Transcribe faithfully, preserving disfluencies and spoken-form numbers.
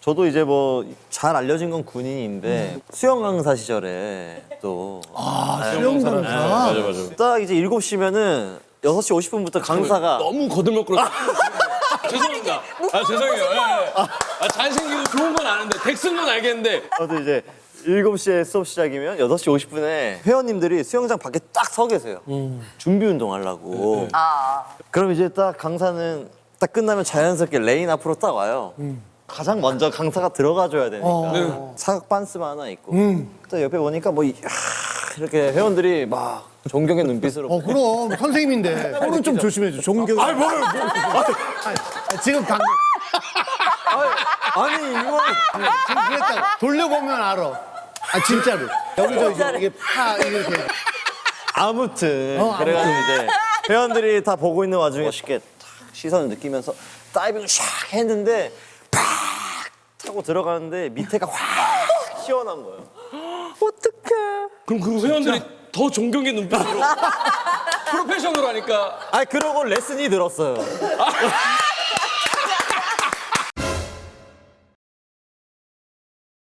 저도 이제 뭐 잘 알려진 건 군인인데 수영 강사 시절에 또 수영 강사. 맞아 맞아. 딱 이제 일곱 시면은 여섯 시 오십 분부터 강사가 너무 거들먹거려. 죄송합니다. 아 죄송해요. 예, 예. 아, 잘생기고 좋은 건 아는데 덱스는 건 알겠는데 저도 이제 일곱 시에 수업 시작이면 여섯 시 오십 분에 회원님들이 수영장 밖에 딱 서 계세요. 준비 운동 하려고. 그럼 이제 딱 강사는 딱 끝나면 자연스럽게 레인 앞으로 딱 와요. 가장 먼저 강사가 들어가줘야 되니까 사각 반스만 하나 있고 또 옆에 보니까 뭐 이- 아, 이렇게 회원들이 막 존경의 눈빛으로 어 그럼 선생님인데 손은 좀 조심해줘. 존경. 아니 뭘 뭘. 아니, 지금 방금 아니 이거 지금 그랬다. 돌려보면 알아. 아 진짜로. 여기서 이제 이게 파 이렇게. 아무튼 어, 그래가지고 이제 회원들이 다 보고 있는 와중에 쉽게 탁 시선을 느끼면서 다이빙을 샥 했는데 팍 타고 들어가는데 밑에가 확 시원한 거예요. 어떡해. 그럼 그 회원들이 더 존경의 눈빛으로 프로페셔널 하니까 아 그러고 레슨이 들었어요.